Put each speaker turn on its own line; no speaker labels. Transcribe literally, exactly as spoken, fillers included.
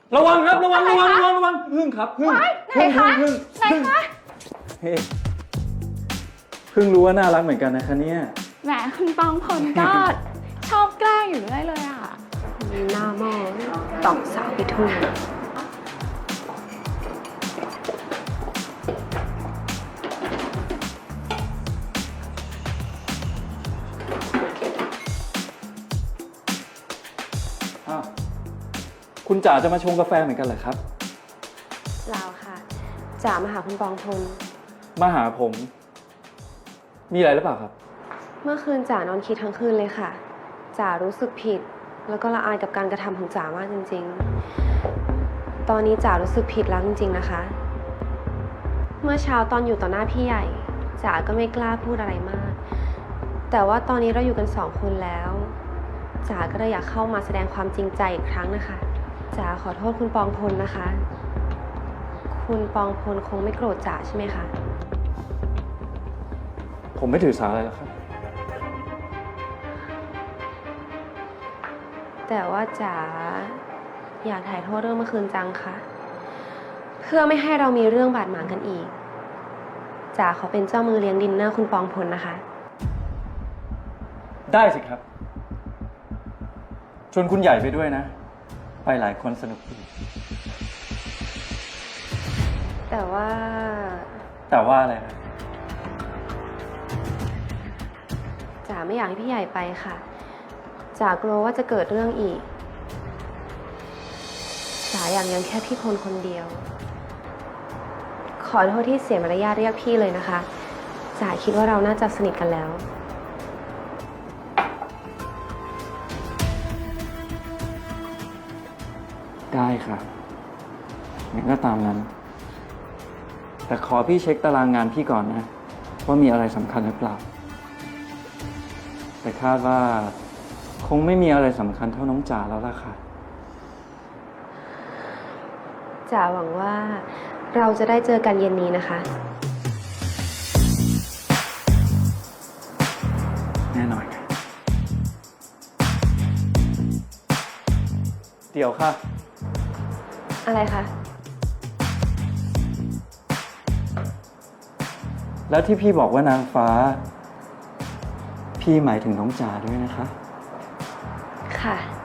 ระวังครับระวังระวังระวังระวังพึ่งครับพึ่ง
ไหน
พึ่ง
คะ
พึ่ง
ไหน
พึ่ง
คะ
เฮ้พึ่งรู้ว่าน่ารักเหมือนกันนะคะเนี่ย
แหมคุณปองพลก็ ชอบแกล้งอยู่เรื่อยเลยอ่ะ
หน้าหม้อตอกสาวไปทั่ว
อ้าวคุณจ๋าจะมาชงกาแฟเหมือนกันเหรอครับ
เปล่าค่ะจ๋ามาหาคุณปองพล
มาหาผม มีอะไรหรือเปล่าครับ
เมื่อคืนจ๋านอนคิดทั้งคืนเลยค่ะจ๋ารู้สึกผิด แล้วก็ละอายกับการกระทำของจ๋ามากจริงๆ ตอนนี้จ๋ารู้สึกผิดแล้วจริงๆนะคะ เมื่อเช้าตอนอยู่ต่อหน้าพี่ใหญ่จ๋าก็ไม่กล้าพูดอะไรมาก แต่ว่าตอนนี้เราอยู่กันสองคนแล้วจ๋าก็เลยอยากเข้ามาแสดงความจริงใจอีกครั้งนะคะจ๋าขอโทษคุณปองพลนะคะ คุณปองพลคงไม่โกรธจ๋าใช่ไหมคะ
ผมไม่ถือสาอะไรหรอกครับ
แต่ว่าจ๋าอยากถ่ายโทษเรื่องเมื่อคืนจังค่ะ เพื่อไม่ให้เรามีเรื่องบาดหมางกันอีกจ๋าขอเป็นเจ้ามือเลี้ยงดินเนอร์คุณปองพลนะคะ
ได้สิครับ ชวนคุณใหญ่ไปด้วยนะ ไปหลายคนสนุกดี
แต่ว่า
แต่ว่าอะไรครับ
จ๋าไม่อยากให้พี่ใหญ่ไปค่ะจ๋ากลัวว่าจะเกิดเรื่องอีกจ๋าอยากเลี้ยงแค่พี่พลคนเดียว ขอโทษที่เสียมารยาทเรียกพี่เลยนะคะจ๋าคิดว่าเราน่าจะสนิทกันแล้ว
ได้ค่ะงั้นก็ตามนั้น แต่ขอพี่เช็คตารางงานพี่ก่อนนะ ว่ามีอะไรสำคัญหรือเปล่า แต่คาดว่าคงไม่มีอะไรสำคัญเท่าน้องจ๋าแล้วล่ะค่ะ
จ๋าหวังว่าเราจะได้เจอกันเย็นนี้นะคะ
แน่นอนค่ะ เดี๋ยวค่ะ
อะไรคะ
แล้วที่พี่บอกว่านางฟ้า พี่หมายถึงน้องจ๋าด้วยนะคะ
ค่ะ